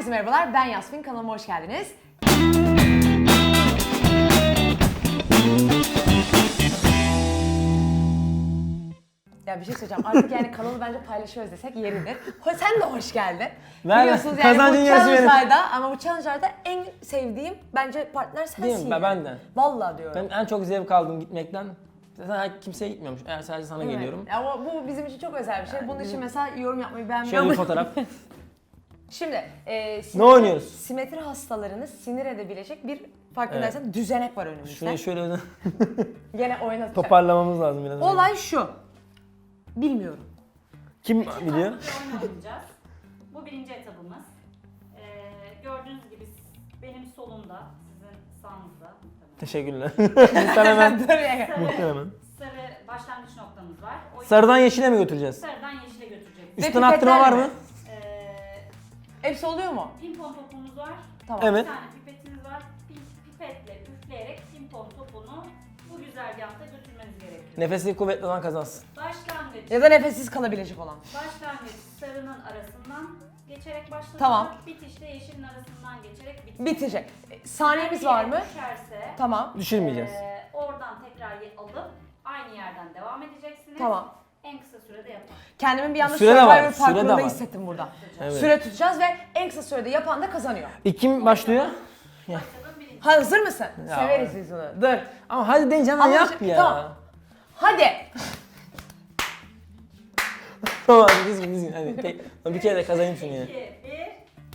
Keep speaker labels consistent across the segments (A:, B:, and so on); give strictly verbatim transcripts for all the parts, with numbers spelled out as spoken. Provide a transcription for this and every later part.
A: Herkese merhabalar, ben Yasmin, kanalıma hoş geldiniz. Ya bir şey söyleyeceğim, artık yani kanalı bence paylaşıyoruz desek yeridir. Sen de hoş geldin.
B: Ben
A: Biliyorsunuz yani
B: kazancın
A: bu
B: yarısı benim.
A: challenge'larda ama bu challenge'larda en sevdiğim bence partner sensin.
B: Değil mi? Ben, ben de.
A: Vallahi diyorum.
B: Ben en çok zevk aldım gitmekten. Zaten kimseye gitmiyormuş. Eğer sadece sana
A: Evet.
B: geliyorum.
A: Ama bu bizim için çok özel bir şey. Bunun için mesela yorum yapmayı
B: Şöyle
A: beğenmiyorum.
B: bir fotoğraf.
A: Şimdi e,
B: Ne oynuyoruz?
A: Simetri hastalarını sinir edebilecek bir farkındaysan düzenek var önümüzde.
B: Şurayı şöyle
A: Gene oynatacak.
B: toparlamamız lazım biraz.
A: Olay şu. Bilmiyorum.
B: Kim
C: İki
B: biliyor?
C: farklı bir oyun oynayacağız. Bu birinci etabımız. Ee, gördüğünüz gibi benim solumda, sizin sağınızda. Tabii.
B: Teşekkürler. Muhtemelen.
C: Sarı,
B: Muhtemelen.
C: sarı başlangıç noktamız var. O
B: Sarıdan yeşile mi götüreceğiz?
C: sarıdan yeşile götürecek.
B: Üstten attırma var mı?
C: Ee,
A: Hepsi oluyor mu?
C: pimpon topumuz var.
A: Tamam.
B: Evet.
C: Bir tane pipetiniz var. Pi- Pipetle üfleyerek pimpon topunu bu güzergahta götürmeniz gerekiyor.
B: Nefesi kuvvetli olan kazansın.
C: Başlangıç.
A: Ya da nefessiz kalabilecek olan.
C: Başlangıç sarının arasından geçerek başlatılır.
A: Tamam.
C: Bitişte yeşilin arasından geçerek bitecek.
A: Bitecek. E, Saniyemiz var mı?
C: Düşerse,
A: Tamam.
B: Düşürmeyeceğiz.
C: eee, oradan tekrar ye- alıp aynı yerden devam edeceksiniz.
A: Tamam.
C: En kısa sürede yapın.
A: Kendimi bir anda
B: Süre de var,
A: Survivor
B: süre de
A: parkurunda
B: var.
A: hissettim burada.
B: Evet.
A: Süre tutacağız ve en kısa sürede yapan da kazanıyor.
B: İlk kim başlıyor?
C: Başladım birinci.
A: Hazır mısın?
B: Ya.
A: Severiz biz bunu. Dur.
B: Ama hadi den canım
A: Ama
B: yap
A: şey-
B: ya.
A: tamam. Hadi.
B: Tamam hadi dizgin dizgin hadi. Tek- bir kere de kazanayım şunu ya.
C: iki, bir.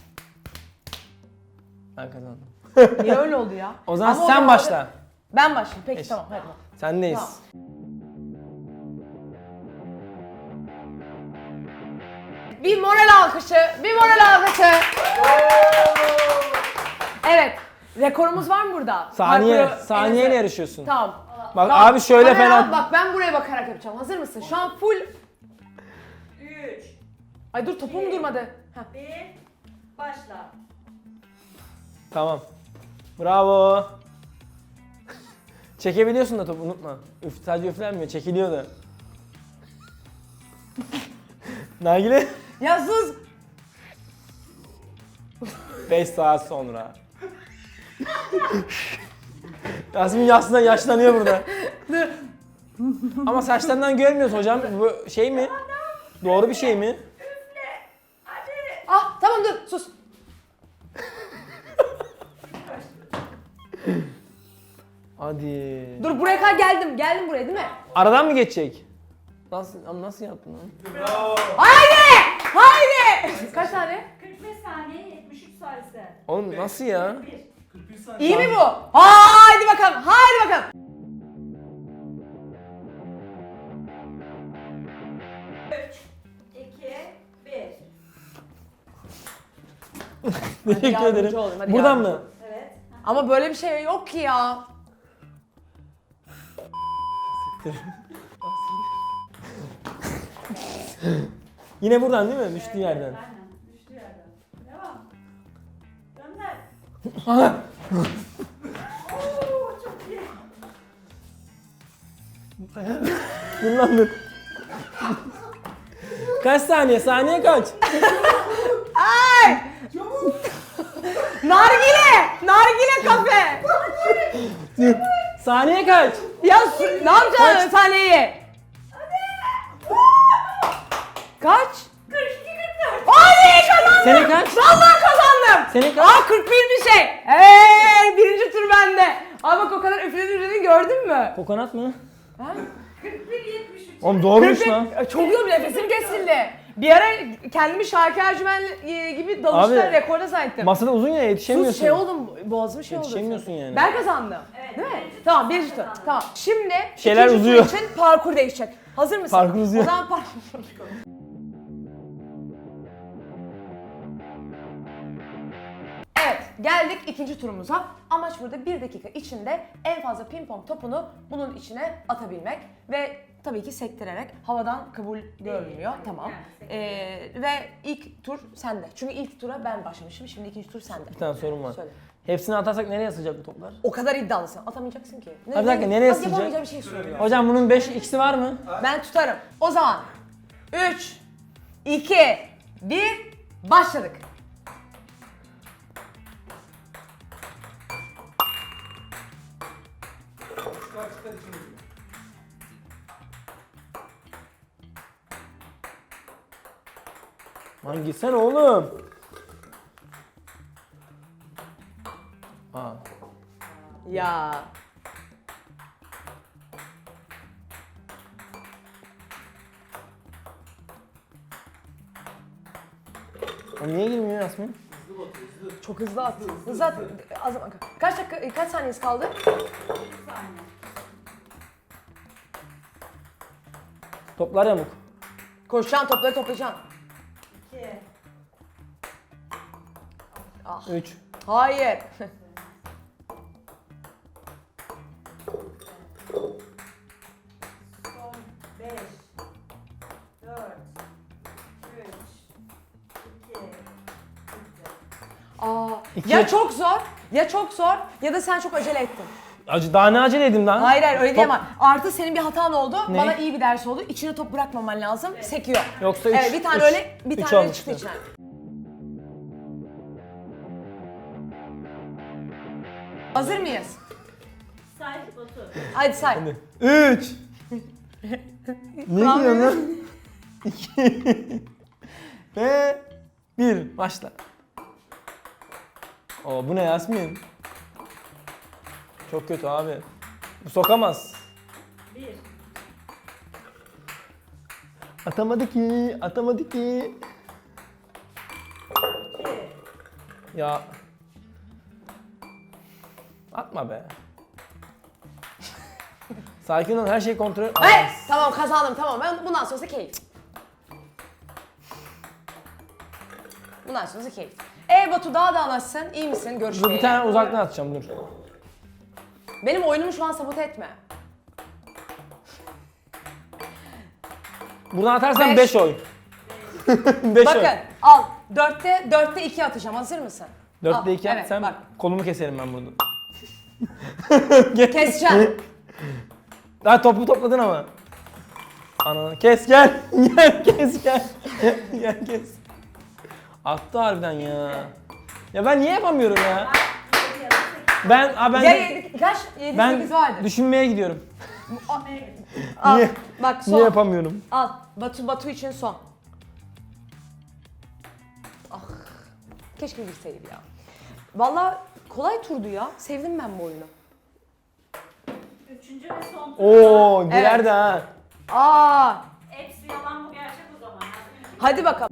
B: Ben kazandım.
A: Niye öyle oldu ya?
B: O zaman
A: Ama
B: sen
A: da-
B: başla.
A: Ben başlayayım. Peki
B: Eş.
A: tamam hadi.
B: Sendeyiz.
A: Tamam. Bir moral alkışı, bir moral alkışı. Evet, rekorumuz var mı burada?
B: Saniye,
A: Parkuru-
B: saniyeyle
A: en-
B: yarışıyorsun.
A: Tamam.
B: Bak
A: Tamam.
B: abi şöyle
A: Kamera al,
B: falan.
A: Bak ben buraya bakarak yapacağım. Hazır mısın? Şu an full...
C: üç,
A: Ay dur topum durmadı. Heh.
C: bir. Başla.
B: Tamam. Bravo. Çekebiliyorsun da topu unutma. Üf, sadece üflenmiyor, çekiliyor da. Nargile.
A: Ya sus!
B: beş saat sonra. Yasmin aslında yaşlanıyor burada. Ama saçlarından görmüyoruz hocam. Bu şey mi? Doğru bir şey mi?
A: Ah tamam dur sus.
B: Hadi.
A: Dur buraya kadar geldim. Geldim buraya değil mi?
B: Aradan mı geçecek? Nasıl ama nasıl yaptın lan?
A: Haydi! Haydi! Kaç tane?
C: kırk beş saniye, yetmiş üç salise.
B: Oğlum nasıl ya?
C: bir.
A: İyi mi bu? Haydi bakalım. Haydi bakalım.
C: iki, bir.
B: Teşekkür
A: yardımcı
B: ederim.
A: olayım, hadi
B: Buradan
A: yardımcı
B: mı?
C: Evet.
A: Ama böyle bir şey yok ki ya.
B: Yine buradan değil mi? Düştüğü yerden.
C: Aynen. Düştüğü yerden. Devam. Gönder. Oo, çok iyi.
B: Dur lan dur. Kaç saniye? Saniye kaç?
A: Ay! Nargile! Nargile kafe!
B: Saniye kaç?
A: Ya su- ne yapacaksın sahneyi? Kaç?
C: kırk iki kırk dört.
A: Hadi kazandım!
B: Senin kaç?
A: Vallahi kazandım!
B: Senin kaç?
A: Aa kırk bir bir şey. Hey, birinci tur bende. Ama bak o kadar üfledin üfledin gördün mü?
B: Kokonat mı?
A: Ha?
C: kırk bir yetmiş üç.
B: Oğlum doğruymuş
A: kırk bir-
B: lan.
A: Çok iyi nefesim kesildi. Bir ara kendimi Şarkı Ercümen e, gibi dalışta
B: Abi,
A: rekorda zannettim.
B: Masada uzun ya yetişemiyorsun.
A: Sus şey oldum, boğazım şey oldu.
B: Yetişemiyorsun yani.
A: Ben kazandım.
C: Evet,
A: Değil mi?
C: birinci tur
A: Tamam,
C: sen
A: birinci tur.
C: kazandın.
A: Tamam. Şimdi
B: Şeyler
A: ikinci tur
B: uzuyor.
A: için parkur değişecek. Hazır mısın?
B: Parkur uzuyor.
A: O zaman parkur. Evet, geldik ikinci turumuza. Amaç burada bir dakika içinde en fazla pimpon topunu bunun içine atabilmek ve tabii ki sektirerek havadan kabul görmüyor.
C: tabii,
A: Tamam.
C: yani sektirerek.
A: Ee, ve ilk tur sende. Çünkü ilk tura ben başlamışım. Şimdi ikinci tur sende.
B: Bir tane sorun var.
A: Söyle.
B: Hepsini atarsak nereye sığacak bu toplar?
A: O kadar iddialısın. Atamayacaksın ki. Ne,
B: Abi bir dakika, nereye
A: Bak,
B: sığacak?
A: yapamayacağım bir şey soruyor.
B: Hocam bunun beş x'i var mı?
A: Ben tutarım. O zaman üç, iki, bir, başladık.
B: Lan gitsene oğlum. Aa.
A: Ya.
B: O niye girmiyor Yasmin?
A: Çok hızlı at. Hızlı at. Az zaman. Kaç dakika, kaç saniyesi kaldı?
C: Bir saniye.
B: Toplar yamuk.
A: Koşacaksın, topları toplayacaksın.
C: iki.
A: Ah.
B: Üç.
A: Hayır.
C: Son beş. dört. üç. iki.
A: Aa.
B: İki.
A: Ya çok zor, ya çok zor ya da sen çok acele ettin.
B: Acı daha ne aceledim lan?
A: Hayır hayır öyle
B: Top-
A: diyemem. Artı senin bir hatan oldu.
B: Ne?
A: Bana iyi bir ders oldu. İçine top bırakmaman lazım. Sekiyor.
B: Yoksa üç.
A: Evet bir tane
B: üç.
A: öyle, bir
B: Üç
A: tane öyle
B: olmuştu.
A: çıktı içinden. Hazır mıyız?
C: Say Batu.
A: Hadi say.
B: Hadi. Üç. Ne
A: Tamam.
B: diyorsun lan? İki. Ve bir. Başla. Oo bu ne Yasmin? Çok kötü abi. Bu sokamaz.
C: bir.
B: Atamadı ki, atamadı ki.
C: iki.
B: Ya. Atma be. Sakin ol, her şey kontrol.
A: Hey, tamam kazandım tamam. Ben bundan sonrası keyif. Bundan sonrası keyif. Ee Batu daha da nasılsın? İyi misin?
B: Dur
A: Görüşmeyeli.
B: bir tane uzaktan atacağım dur.
A: Benim oyunumu şu an sabote etme.
B: Buradan atarsan
A: Beş.
B: beş oy. beş oy.
A: Bakın al. Dörtte, dörtte iki atacağım. Hazır mısın?
B: dörtte
A: Al,
B: iki
A: evet,
B: at sen
A: bak.
B: kolumu keserim ben burada.
A: Keseceğim.
B: Daha topu topladın ama. Ananı kes gel. Gel kes gel. Gel kes. Attı harbiden ya. Ya ben niye yapamıyorum ya?
C: yedi ya da sekiz.
B: Ben a ben
A: Ya yedi, kaç? Yedi,
B: ben
A: sekiz vardır.
B: düşünmeye gidiyorum.
A: Al.
B: Niye?
A: Bak son.
B: Niye yapamıyorum?
A: Al. Batu, Batu için son. Ah. Keşke bilseydim ya. Vallahi kolay turdu ya. Sevdim ben bu oyunu.
C: Üçüncü ve son tur.
B: Oo girer
A: Evet.
B: de ha.
A: Aa.
C: Hepsi yalan bu gerçek o zaman. Yani.
A: Hadi bakalım.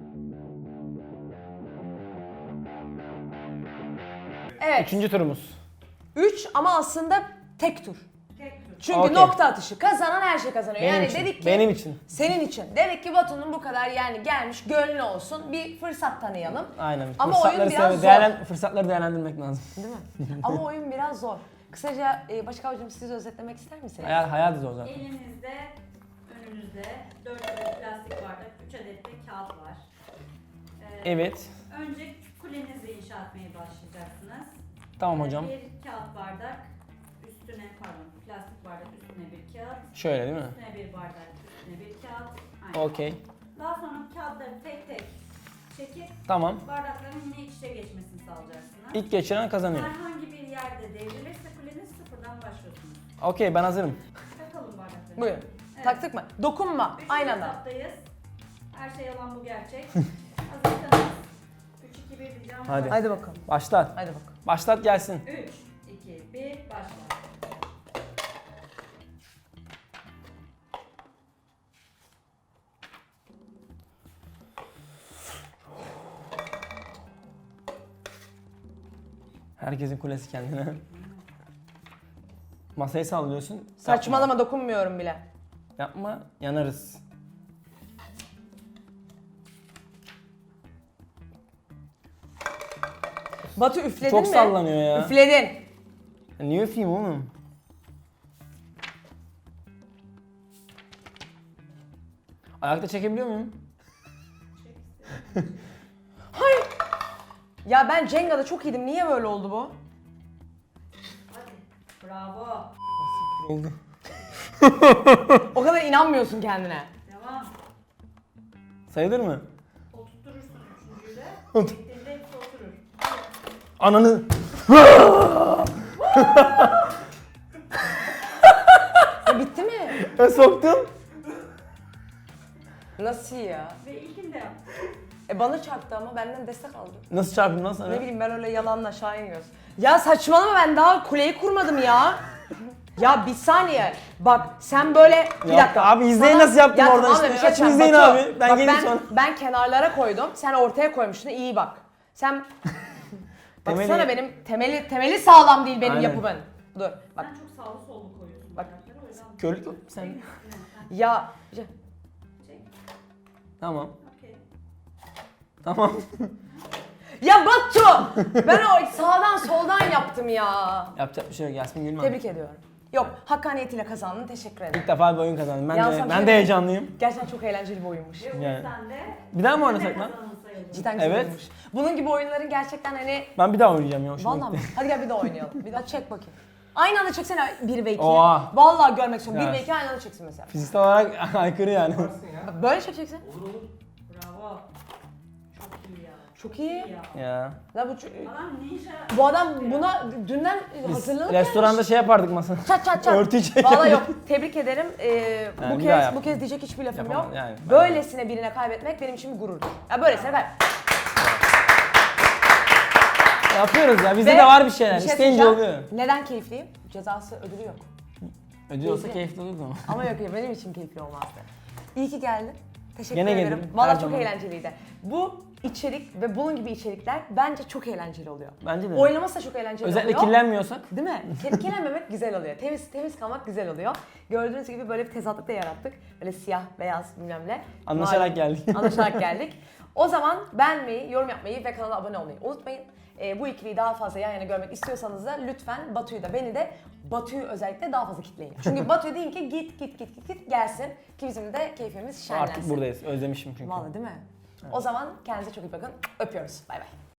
A: Evet.
B: Üçüncü turumuz.
A: Üç ama aslında tek tur.
C: Tek tur.
A: Çünkü
B: Okey.
A: nokta atışı. Kazanan her şey kazanıyor.
B: Benim
A: yani
B: için.
A: dedik ki
B: Benim için.
A: senin için. Dedik ki Batu'nun bu kadar yani gelmiş gönlü olsun. Bir fırsat tanıyalım.
B: Aynen.
A: Ama
B: Fırsatları
A: oyun biraz
B: sev-
A: zor.
B: değerlen- fırsatları değerlendirmek lazım.
A: Değil mi? Ama oyun biraz zor. Kısaca e, Başakavcığım siz özetlemek ister misiniz?
B: Hayat, hayat zor zaten.
C: Elinizde, önünüzde dört adet plastik bardak, üç adet de kağıt var. Ee,
B: Evet.
C: Önce kulenizi inşa etmeye başlayacaksınız.
B: Tamam
C: Ee,
B: hocam.
C: Bir kağıt bardak, üstüne pardon plastik bardak üstüne bir kağıt,
B: Şöyle değil mi?
C: üstüne bir bardak, üstüne bir kağıt. Aynen.
B: Okey.
C: Daha sonra kağıtları tek tek çekip
B: Tamam.
C: bardakların yine iç içe geçmesini sağlayacaksınız.
B: İlk geçiren kazanıyor.
C: Herhangi bir yerde devrilirse kuleniz sıfırdan başlıyorsunuz.
B: Okey ben hazırım.
C: Takalım bardakları.
A: Buyurun.
C: Evet.
A: Taktık mı? Dokunma.
C: Üçüncü
A: Aynı anda.
C: etaptayız. Her şey yalan bu gerçek. Hazırsanız üç iki bir diyeceğim.
B: Hadi.
A: Hadi bakalım.
B: Başlat.
A: Hadi bakalım.
B: Başlat gelsin.
C: üç iki bir başla.
B: Herkesin kulesi kendine. Masayı sallıyorsun.
A: Saçmalama dokunmuyorum bile.
B: Yapma, yanarız.
A: Batu üfledin
B: Çok
A: mi?
B: sallanıyor ya.
A: Üfledin.
B: Ya niye öpeyim oğlum? Ayakta çekebiliyor muyum?
A: Ya ben Cenga'da çok iyiydim. Niye böyle oldu bu?
C: Hadi. Bravo.
B: Oldu.
A: O kadar inanmıyorsun kendine.
C: Devam.
B: Sayılır mı?
C: Oturturursun üçüncüyü de. Bittiğinde hepsi oturur.
B: Ananı.
A: Ya bitti mi?
B: Ben soktum.
A: Nasıl ya?
C: Ve ilkini de yap.
A: E bana çarptı ama benden destek aldı.
B: Nasıl çarpayım lan sana?
A: Ne bileyim ben öyle yalanla aşağı iniyoruz. Ya saçmalama ben daha kuleyi kurmadım ya. Ya bir saniye. Bak sen böyle bir
B: Yok
A: dakika.
B: abi, izleyin
A: Sana-
B: nasıl yaptım
A: Ya
B: oradan
A: tamam da
B: işte.
A: bir şey
B: Açın
A: söyleyeceğim.
B: izleyin
A: Batu,
B: abi. Ben
A: bak
B: geleyim
A: ben,
B: sonra.
A: Ben kenarlara koydum. Sen ortaya koymuştun. İyi bak. Sen
B: Temeli-
A: baksana benim temeli temeli sağlam değil benim
B: Aynen.
A: yapımın. Dur bak.
C: Sen çok sağlı sollu koyuyorsun
A: Bak.
C: bardakları, o yüzden.
B: Körlük yok sen.
A: Ya
C: Çek.
B: Tamam.
C: Okey.
B: Tamam.
A: ya Batu! Ben o sağdan soldan yaptım ya.
B: Yapacak bir şey yok Yasmin Gülmen.
A: Tebrik ediyorum. Yok, hakkaniyetiyle kazandın. Teşekkür ederim.
B: İlk defa bir oyun kazandım. Ben
A: Ya
B: de,
A: sana bir
B: ben
A: şey
B: de
A: diyeyim.
B: heyecanlıyım.
A: Gerçekten çok eğlenceli bir oyunmuş.
C: Ve o
B: Yani.
C: yüzden de
B: Bir daha mı
C: ne
B: oynasak lan?
C: kazanan sayılır.
A: Cidden güzel
B: Evet.
A: oyunmuş. Bunun gibi oyunların gerçekten hani...
B: Ben bir daha oynayacağım ya. hoşuma
A: Vallahi mi?
B: gitti.
A: Hadi gel bir daha oynayalım. Bir daha çek bakayım. Aynı anda çeksene bir ve iki.
B: Oha.
A: Vallahi görmek istiyorum. bir
B: Evet.
A: ve iki aynı anda çeksin mesela.
B: Fiziksel olarak aykırı yani.
A: Böyle çekeceksin.
C: Bravo. Çok iyi ya.
A: Çok iyi.
C: Ya.
B: Ya.
A: La bu, ç-
C: Adam ninja.
A: bu adam buna dünden
B: Biz
A: hazırlanıp
B: restoranda şey yapardık masa.
A: Çat çat çat.
B: Örtü çekelim.
A: Vallahi yok. Tebrik ederim. Ee,
B: Yani
A: bu
B: bir daha
A: kez
B: yap.
A: bu kez diyecek hiçbir lafım
B: Yapamam,
A: yok.
B: yani.
A: Böylesine birine kaybetmek benim için bir gururdur. Ya böylesine ben.
B: Yapıyoruz ya. Bizde
A: Ve
B: de var bir şeyler.
A: bir şey
B: İsteyince
A: söyleyeceğim.
B: oluyor.
A: Neden keyifliyim? Cezası ödülü yok.
B: Ödül olsa
A: Keyifli.
B: keyifli olurdu ama.
A: Ama yok ya benim için keyifli olmazdı. İyi ki geldin. Teşekkür
B: Gene
A: ederim.
B: gelirim, her
A: Valla çok
B: zaman.
A: eğlenceliydi. Bu içerik ve bunun gibi içerikler bence çok eğlenceli oluyor.
B: Bence de.
A: Oynaması da çok eğlenceli
B: Özellikle
A: oluyor.
B: kirlenmiyorsak.
A: Değil mi? Kir- Kirlenmemek güzel oluyor. Temiz temiz kalmak güzel oluyor. Gördüğünüz gibi böyle bir tezatlık da yarattık. Böyle siyah, beyaz bilmem ne.
B: Anlaşarak
A: Malum.
B: geldik.
A: Anlaşarak geldik. O zaman beğenmeyi, yorum yapmayı ve kanala abone olmayı unutmayın. Ee, bu ikiliyi daha fazla yan yana görmek istiyorsanız da lütfen Batu'yu da beni de Batu'yu özellikle daha fazla kitleyin. Çünkü Batu'ya deyin ki git git git git git gelsin ki bizim de keyfimiz şenlensin.
B: Artık buradayız. Özlemişim çünkü.
A: Vallahi değil mi? O zaman kendinize çok iyi bakın. Öpüyoruz. Bay bay.